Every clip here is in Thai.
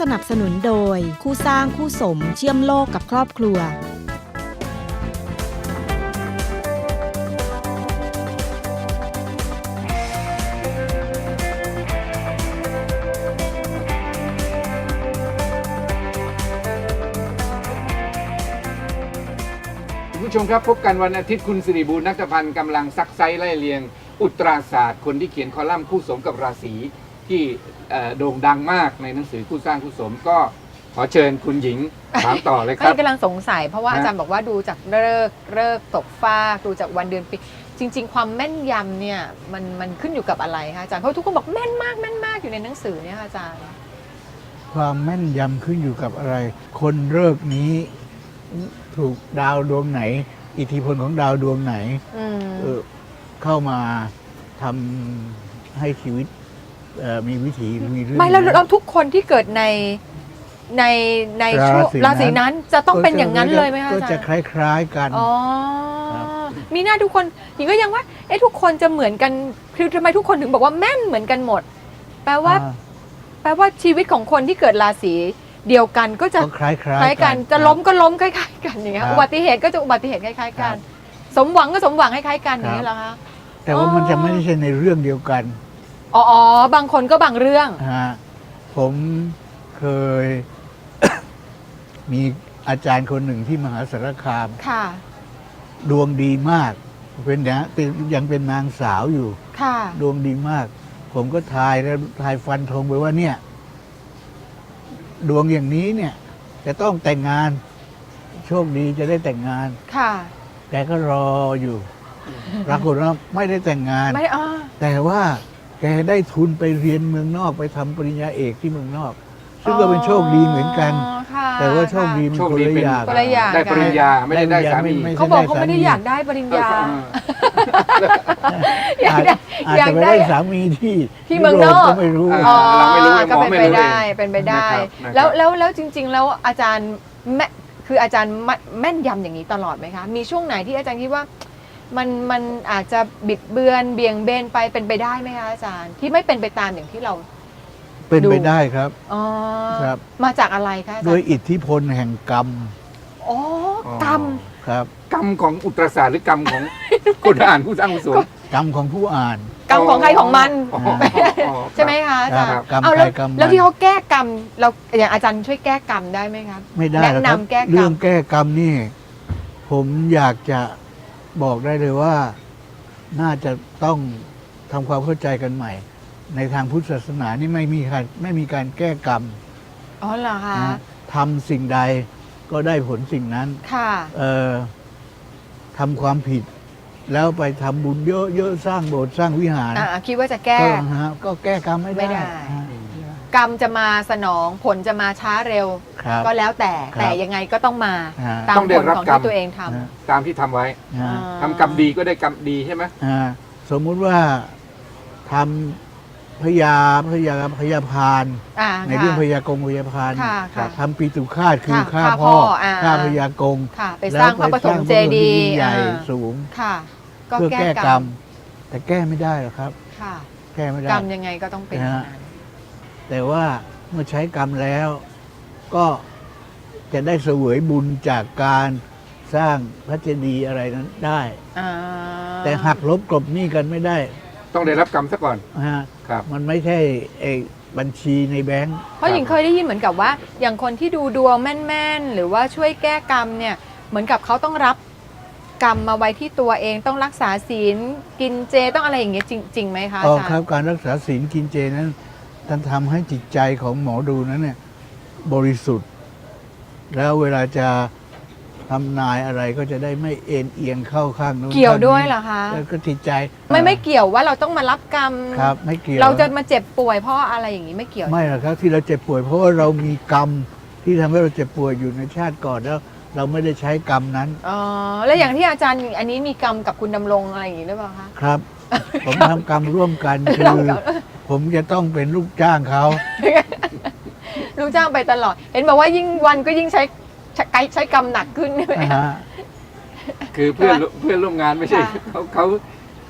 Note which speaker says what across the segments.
Speaker 1: สนับสนุนโดยคู่สร้างคู่สมเชื่อมโลกกับครอบครัว
Speaker 2: คุณผู้ชมครับพบกันวันอาทิตย์คุณสิริบูรณ์นักพันธ์กำลังซักไซไล่เรียงอุตราศาสตร์คนที่เขียนคอลัมน์คู่สมกับราศีที่โด่งดังมากในหนังสือคู่สร้างคู่สมก็ขอเชิญคุณหญิงถามต่อเลยครับ
Speaker 3: กำลังสงสัยเพราะว่าอาจารย์บอกว่าดูจากเลิกตกฟากดูจากวันเดือนปีจริง ๆ ความแม่นยำเนี่ยมันขึ้นอยู่กับอะไรคะอาจารย์เพราะทุกคนบอกแม่นมากแม่นมากอยู่ในหนังสือเนี่ยค่ะอาจารย์
Speaker 4: ความแม่นยำขึ้นอยู่กับอะไรคนเลิกนี้ถูกดาวดวงไหนอิทธิพลของดาวดวงไหนเข้ามาทำให้ชีวิตมีวิถีมีเรื่อง
Speaker 3: ไม่แล้วทุกคนที่เกิดในช่วงราศีนั้นจะต้องเป็นอย่างนั้นเลยไหมคะอาจารย์
Speaker 4: ก็จะคล้ายๆกัน
Speaker 3: อ๋อมีหน้าทุกคนหญิงก็ยังว่าทุกคนจะเหมือนกันคือทำไมทุกคนถึงบอกว่าแม่นเหมือนกันหมดแปลว่าชีวิตของคนที่เกิดราศีเดียวกันก็จะ
Speaker 4: คล้าย
Speaker 3: กันจะล้มก็ล้มคล้ายๆกันอย่างเงี้ยอุบัติเหตุก็จะอุบัติเหตุคล้ายๆกันสมหวังก็สมหวังคล้ายๆกันอย่างนี้เหรอคะ
Speaker 4: แต่ว่ามันจะไม่ใช่ในเรื่องเดียวกัน
Speaker 3: อ๋อบางคนก็บางเรื่อง
Speaker 4: ผมเคย มีอาจารย์คนหนึ่งที่มหาสารคาม
Speaker 3: ค่ะ
Speaker 4: ดวงดีมากยังเป็นนางสาวอยู่
Speaker 3: ค่ะ
Speaker 4: ดวงดีมากผมก็ทายฟันธงไปว่าเนี่ยดวงอย่างนี้เนี่ยจะต้องแต่งงานโชคดีจะได้แต่งงาน
Speaker 3: ค่ะ
Speaker 4: แกก็รออยู่ปรากฏว่าไม่ได้แต่งงาน
Speaker 3: ไม่
Speaker 4: แต่ว่าแกได้ทุนไปเรียนเมืองนอกไปทำปริญญาเอกที่เมืองนอกซึ่งก็เป็นโชคดีเหมือนกันแต่ว่าโชคดีมันคนละอย่าง
Speaker 2: ได้ปริญญาไม่ได้สามี
Speaker 3: เขาบอกเขาไม่ได้อยากได้ปริญญา
Speaker 4: อาจจะไม่ได้สามีที่
Speaker 3: เมืองนอก
Speaker 4: ก็ไม่รู้
Speaker 2: เราไม่รู้
Speaker 3: ก็เป็นไปได้แล้วจริงๆแล้วอาจารย์คืออาจารย์แม่นยำอย่างนี้ตลอดไหมคะมีช่วงไหนที่อาจารย์คิดว่ามันอาจจะบิดเบือนเบี่ยงเบนไปเป็นไปได้ไหมคะอาจารย์ที่ไม่เป็นไปตามอย่างที่เรา
Speaker 4: เป็นไปได้ครับ
Speaker 3: ครับมาจากอะไรคะ
Speaker 4: โดยอิทธิพลแห่งกรรม
Speaker 3: กรรม
Speaker 4: ครับ
Speaker 2: กรรมของอุตราศาสตร์หรือกรรมของคนอ่านผู้สร้างผู้สม
Speaker 4: กรรมของผู้อ่าน
Speaker 3: กรรมของใครของมันใช่ไหมคะอาจารย์แล้วที่เขาแก้กรรมเราอย่างอาจารย์ช่วยแก้กรรมได้ไหมครับ
Speaker 4: ไม่ได้แนะนำแก้กรรมเรื่องแก้กรรมนี่ผมอยากจะบอกได้เลยว่าน่าจะต้องทำความเข้าใจกันใหม่ในทางพุทธศาสนานี่ไม่มีการแก้กรรม
Speaker 3: เหรอคะ
Speaker 4: ทำสิ่งใดก็ได้ผลสิ่งนั้น
Speaker 3: ค่ะ
Speaker 4: ทำความผิดแล้วไปทำบุญเยอะๆสร้างโบสถ์สร้างวิหาร
Speaker 3: คิดว่าจะแก้
Speaker 4: ก็แก้กรรมไม่ได้
Speaker 3: กรรมจะมาสนองผลจะมาช้าเร็วก็แล้วแต่ยังไงก็ต้องมาตามผลของที่ตัวเองทำ
Speaker 2: ตามที่ทำไว้ทำกรรมดีก็ได้กรรมดีใช่ไหม
Speaker 4: สมมุติว่าทำพยาพานในเรื่องพยากงพยาพานทำปีตุฆาตคือฆ่าพ่อฆ่าพยากง
Speaker 3: ไปสร้างพระปฐมเจดีย์
Speaker 4: ใหญ่สูงเพื่อแก้กรรมแต่แก้ไม่ได้หรอกครับแก้ไม่ได้
Speaker 3: กรรมยังไงก็ต้องเป็น
Speaker 4: แต่ว่าเมื่อใช้กรรมแล้วก็จะได้เสวยบุญจากการสร้างพระเจดีย์อะไรนั้นได้แต่หักลบกลบหนี้กันไม่ได้
Speaker 2: ต้องได้รับกรรมซะก่อน
Speaker 4: ครับมันไม่ใช่บัญชีในแบงก์
Speaker 3: เพราะหญิงเคยได้ยินเหมือนกับว่าอย่างคนที่ดูดวงแม่นๆหรือว่าช่วยแก้กรรมเนี่ยเหมือนกับเขาต้องรับกรรมมาไว้ที่ตัวเองต้องรักษาศีลกินเจต้องอะไรอย่างเงี้ยจริงไหมคะอาจารย์
Speaker 4: ครับการรักษาศีลกินเจนั้นท่านทำให้จิตใจของหมอดูนั้นเนี่ยบริสุทธิ์แล้วเวลาจะทำนายอะไรก็จะได้ไม่เอ็นเอียงเข้าข้างนู้น
Speaker 3: เกี่ยวด้วยเหรอคะ
Speaker 4: แล้วก็จิตใจ
Speaker 3: ไม่เกี่ยวว่าเราต้องมารับกรรม
Speaker 4: ครับไม่เกี่ยว
Speaker 3: เราจะมาเจ็บป่วยเพราะอะไรอย่างนี้ไม่เกี่ยว
Speaker 4: ไม่หรอกครับที่เราเจ็บป่วยเพราะว่าเรามีกรรมที่ทำให้เราเจ็บป่วยอยู่ในชาติก่อนแล้วเราไม่ได้ใช้กรรมนั้น
Speaker 3: แล้วอย่างที่อาจารย์อันนี้มีกรรมกับคุณดำรงอะไรอย่างนี้หรือเปล่าคะ
Speaker 4: ครับ ผมทำกรรมร่วมกันคือผมจะต้องเป็นลูกจ้างเขา
Speaker 3: ลูกจ้างไปตลอดเห็นบอกว่ายิ่งวันก็ยิ่งใช้กรรมหนักขึ้นใช่ไหม
Speaker 2: คือเพื่อนร่วมงานไม่ใช่เขา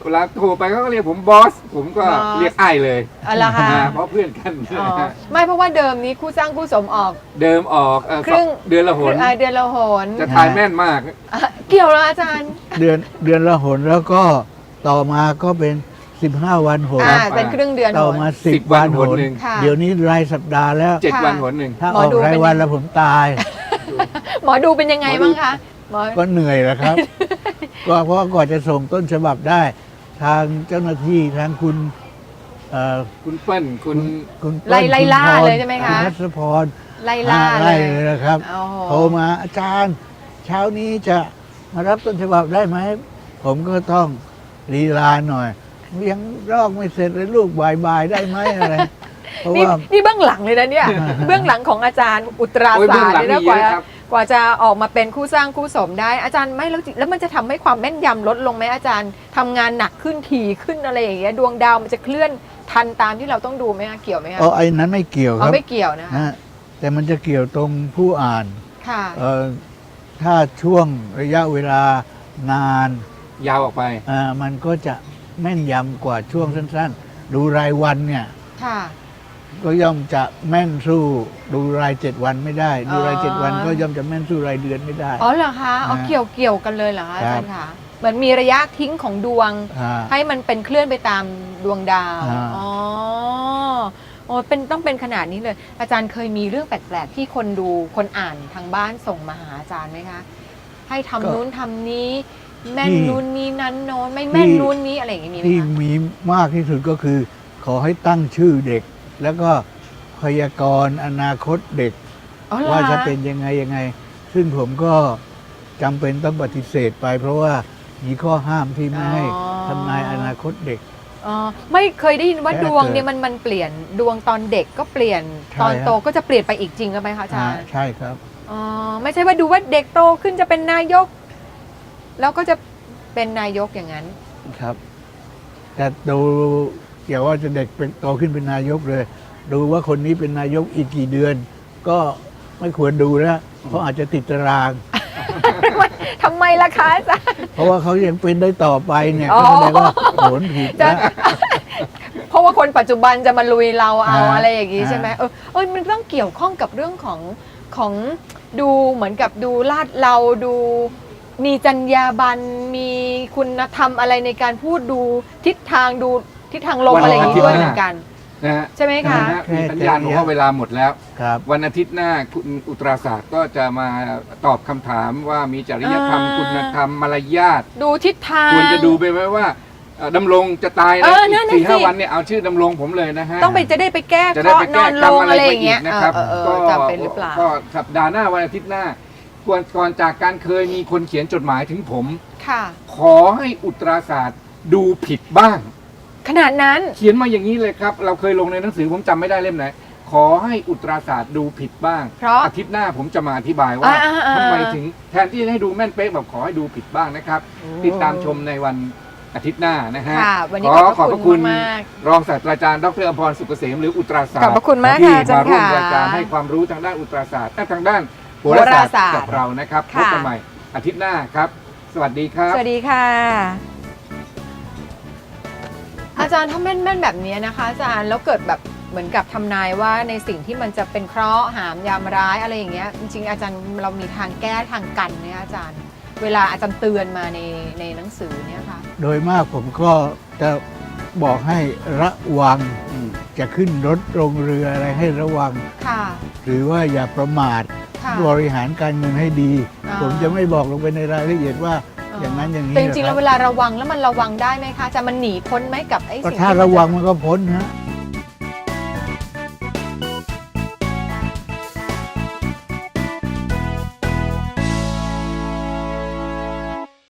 Speaker 2: เวลาโทรไปเขาก็เรียกผมบอสผมก็
Speaker 3: บอส
Speaker 2: เรียกไอ้ายเลย
Speaker 3: อะไรคะ
Speaker 2: เพราะเพื่อนกัน
Speaker 3: อ๋อไม่เพราะว่าเดิมนี้คู่สร้างคู่สมออก
Speaker 2: เดิมออก
Speaker 3: ครึ่ง
Speaker 2: เดือนละหน
Speaker 3: เดือนละหน
Speaker 2: จะทายแม่นมาก
Speaker 3: อ่ะเกี่ยวแล้วอาจารย์
Speaker 4: เดือนละหนแล้วก็ต่อมาก็เป็น15 วันหน
Speaker 3: เป็นครึ่งเดือนห
Speaker 4: ต่อน มา
Speaker 2: 10
Speaker 4: 10 วันหน
Speaker 2: หนึ่ง
Speaker 3: ค่ะ
Speaker 4: เดี๋ยวนี้รายสัปดาห์แล้ว
Speaker 2: 7 วันหนหนึ่ง
Speaker 4: ถ้า
Speaker 3: หม
Speaker 4: อ
Speaker 3: อ
Speaker 4: อก
Speaker 3: ดู
Speaker 4: ราย
Speaker 3: เป็น
Speaker 4: วันแล้วผมตาย
Speaker 3: หมอดูเป็นยังไงบ้างคะหมอ
Speaker 4: ก็เหนื่อยแหละครับ ก็เพราะว่าก่อนจะส่งต้นฉบับได้ ทางเจ้าหน้าที่ทางคุณเอ่อ
Speaker 2: คุณเปิ้ลคุณ
Speaker 4: คุณเปิ้
Speaker 3: ไล่
Speaker 4: คุณ
Speaker 3: ล่า
Speaker 4: พร
Speaker 3: เลยใช่ไหมคะ
Speaker 4: ณรัศพร
Speaker 3: ไล่ล่าเล
Speaker 4: ไล่
Speaker 3: ย
Speaker 4: เลยนะครับ
Speaker 3: โอ้โห
Speaker 4: โทรมาอาจารย์ เช้านี้จะมารับต้นฉบับได้ไหม ผมก็ต้องลีลาหน่อย ยังรอกไม่เสร็จเลยลูกบ่ายๆได้ไหมอะไร เพราะ
Speaker 3: นี่
Speaker 4: ว่า
Speaker 3: นี่เบื้องหลังเลยนะเนี่ย เบื้องหลังของอาจารย์อุตรา
Speaker 2: โอ้ย
Speaker 3: ศา
Speaker 2: เบื้อง
Speaker 3: สตร์
Speaker 2: หลัง
Speaker 3: เนี่ยนะ
Speaker 2: มีเยอะครับ
Speaker 3: กว่าจะออกมาเป็นคู่สร้างคู่สมได้อาจารย์ไม่แล้วมันจะทำให้ความแม่นยำลดลงไหมอาจารย์ทำงานหนักขึ้นถี่ขึ้นอะไรอย่างเงี้ยดวงดาวมันจะเคลื่อนทันตามที่เราต้องดูไหมคะเกี่ยวไหมคะ
Speaker 4: ไอ้นั้นไม่เกี่ยวค
Speaker 3: เอา
Speaker 4: รับ
Speaker 3: ไม่เกี่ยวนะคะ
Speaker 4: นะแต่มันจะเกี่ยวตรงผู้อ่าน
Speaker 3: ค่ะ
Speaker 4: ถ้าช่วงระยะเวลานาน
Speaker 2: ยาวออกไป
Speaker 4: มันก็จะแม่นยำกว่าช่วงสั้นๆ ดูรายวันเนี่ย
Speaker 3: ค่ะ
Speaker 4: ก็ย่อมจะแม่นสู้ดูราย 7 วันไม่ได้ ดูราย 7 วันก็ย่อมจะแม่นสู้รายเดือนไม่ได้
Speaker 3: อ๋อเหรอคะเอา
Speaker 4: นะ
Speaker 3: เกี่ยวกันเลยเหรอคะอา
Speaker 4: ครั
Speaker 3: จา
Speaker 4: บ
Speaker 3: รย์คะเหมือนมีระยะทิ้งของดวง
Speaker 4: อ่า
Speaker 3: ให้มันเป็นเคลื่อนไปตามดวงดาว
Speaker 4: อ่า
Speaker 3: อ๋อโอ้ต้องเป็นขนาดนี้เลย อาจารย์เคยมีเรื่องแปลกๆที่คนดูคนอ่านทางบ้านส่งมาหาอาจารย์ไหมคะ ให้ทำนู้นทำนี้ แม่นนู้นนี้นั้นโน้นไม่แม่นนู้นนี้อะไรอย่างงี้มีไหม
Speaker 4: ที่
Speaker 3: คะ
Speaker 4: มีมากที่สุดก็คือ ขอให้ตั้งชื่อเด็ก แล้วก็พยากรณ์อนาคตเด็ก
Speaker 3: อ๋อเหรอ
Speaker 4: ว่าจะเป็นยังไง ซึ่งผมก็จำเป็นต้องปฏิเสธไป เพราะว่ามีข้อห้ามที่ไม่ให้ทำนายอนาคตเด็ก
Speaker 3: อ๋อไม่เคยได้ยินว่า
Speaker 4: แค่
Speaker 3: ดวง
Speaker 4: เกิด
Speaker 3: เนี่ยมันเปลี่ยนดวงตอนเด็กก็เปลี่ยน
Speaker 4: ใช่
Speaker 3: ตอนโต
Speaker 4: ฮะ
Speaker 3: ก็จะเปลี่ยนไปอีกจริงหรือไหมคะอาจารย์
Speaker 4: ใช่ครับ
Speaker 3: อ๋อไม่ใช่ว่าดูว่าเด็กโตขึ้นจะเป็นนายก แล้วก็จะเป็นนายกอย่างนั้น
Speaker 4: ครับ แต่ดูอย่าว่าจะเด็กเป็นโตขึ้นเป็นนายกเลย ดูว่าคนนี้เป็นนายกอีกกี่เดือน ก็ไม่ควรดูแล้วเพราะอาจจะติดตาราง
Speaker 3: ทำไมล่ะคะอาจารย์
Speaker 4: เพราะว่าเขายังเป็นได้ต่อไปเนี่ย
Speaker 3: อ๋อ
Speaker 4: ก็แสดงว่าโหนผิด
Speaker 3: จะ
Speaker 4: แล้ว
Speaker 3: เพราะว่าคนปัจจุบันจะมาลุยเราเอา
Speaker 4: อ่า
Speaker 3: อะไรอย่างนี้
Speaker 4: อ่า
Speaker 3: ใช่ไหมมันต้องเกี่ยวข้องกับเรื่องของดูเหมือนกับดูลาดเราดูมีจรรยาบรรณมีคุณธรรมอะไรในการพูดดูทิศทางลม
Speaker 2: วัน
Speaker 3: อะไรอย่างนี้
Speaker 2: อาทิตย์
Speaker 3: ด้วย
Speaker 2: หน้า
Speaker 3: เหมือนกัน
Speaker 2: นะฮะ
Speaker 3: ใช่ไหมคะ
Speaker 2: นะฮะมีสัญญาณบอกว่าเวลาหมดแล้ว
Speaker 4: ครับ
Speaker 2: วันอาทิตย์หน้าคุณอุตราศาสตร์ก็จะมาตอบคำถามว่ามีจริยธรรม
Speaker 3: อ่า
Speaker 2: คุณธรรมมารยาท
Speaker 3: ดูทิศทาง
Speaker 2: ควรจะดูไปไหมว่าดำรงจะตาย
Speaker 3: เอ
Speaker 2: นะ
Speaker 3: อนั่
Speaker 2: อี
Speaker 3: น
Speaker 2: ก
Speaker 3: น่ะ
Speaker 2: 4-5
Speaker 3: สิ
Speaker 2: วันเนี่ยเอาชื่อดำรงผมเลยนะฮะ
Speaker 3: ต้องไปจะได้ไปแก้
Speaker 2: จะ
Speaker 3: เค
Speaker 2: ได้
Speaker 3: ราะ
Speaker 2: ไป
Speaker 3: ห์น
Speaker 2: แก้
Speaker 3: อน
Speaker 2: กร
Speaker 3: ล
Speaker 2: รม
Speaker 3: ง
Speaker 2: อะไร
Speaker 3: อะไรอ
Speaker 2: ไป
Speaker 3: ย่าง
Speaker 2: อี
Speaker 3: เงี้ย
Speaker 2: กนะครับ
Speaker 3: จะเป็นหรือเปล่า
Speaker 2: ก็สัปดาห์หน้าวันอาทิตย์หน้าก่อนจากการเคยมีคนเขียนจดหมายถึงผม
Speaker 3: ค่ะ
Speaker 2: ขอให้อุตราศาสตร์ดูผิดบ้าง
Speaker 3: ขนาดนั้น
Speaker 2: เขียนมาอย่างนี้เลยครับ เราเคยลงในหนังสือผมจำไม่ได้เล่มไหน ขอให้อุตราศาสตร์ดูผิดบ้าง
Speaker 3: เพราะ
Speaker 2: อาทิตย์หน้าผมจะมาอธิบายว่า
Speaker 3: อ่า
Speaker 2: ทำไมถึงแทนที่จะให้ดูแม่นเป๊ะแบบขอให้ดูผิดบ้างนะครับ ติดตามชมในวันอาทิตย์หน้านะฮะ
Speaker 3: ค่ะวันนี้
Speaker 2: ขอ
Speaker 3: ข
Speaker 2: ข
Speaker 3: อ
Speaker 2: อ
Speaker 3: บบ พ
Speaker 2: พ
Speaker 3: ระ
Speaker 2: ระ
Speaker 3: คุ
Speaker 2: คุณ ณ
Speaker 3: มาก
Speaker 2: รองศาสตราจารย์ดรอภรณ์สุกเกษมหรืออุตราศาสต
Speaker 3: ขอบ
Speaker 2: ร์
Speaker 3: พระคุณมาก
Speaker 2: ที่
Speaker 3: ค่ะอาจาร
Speaker 2: มา
Speaker 3: ย์
Speaker 2: ร่วม
Speaker 3: ค่ะ
Speaker 2: รายการให้ความรู้ทางด้านอุตราศาสตร์และทางด้านโห
Speaker 3: โห
Speaker 2: รา
Speaker 3: รา
Speaker 2: ศา
Speaker 3: ศา
Speaker 2: ส
Speaker 3: ส
Speaker 2: ต
Speaker 3: ตร์
Speaker 2: ร์กับเรานะครับพ
Speaker 3: ค่ะ
Speaker 2: บกันใหม่อาทิตย์หน้าครับ สวัสดีครับ
Speaker 3: สวัสดีค่ะ อาจารย์ถ้าแม่นแบบนี้นะคะ อาจารย์แล้วเกิดแบบเหมือนกับทำนายว่าในสิ่งที่มันจะเป็นเคราะห์หามยามร้ายอะไรอย่างเงี้ยจริงๆอาจารย์เรามีทางแก้ทางกันเนี่ยอาจารย์ เวลาอาจารย์เตือนมาในหนังสือเนี่ยค่ะ
Speaker 4: โดยมากผมก็จะบอกให้ระวังจะขึ้นรถลงเรืออะไรให้ระวัง
Speaker 3: ค่ะ
Speaker 4: หรือว่าอย่าประมาท
Speaker 3: ค่ะ
Speaker 4: บริหารการเงินให้ดี
Speaker 3: อ่า
Speaker 4: ผมจะไม่บอกลงไปในรายละเอียดว่าอย่างนั้นอย่างนี้
Speaker 3: แต่จริงๆ
Speaker 4: นะค
Speaker 3: แล้
Speaker 4: บ
Speaker 3: วเวลาระวังแล้วมันระวังได้ไหมคะอาจารย์มันหนีพ้นไหมกับไอ้
Speaker 4: ก็
Speaker 3: สิ่ง
Speaker 4: ถ้า
Speaker 3: ที่มัน
Speaker 4: ระวัง
Speaker 3: จ
Speaker 4: มันก็พ้นฮะ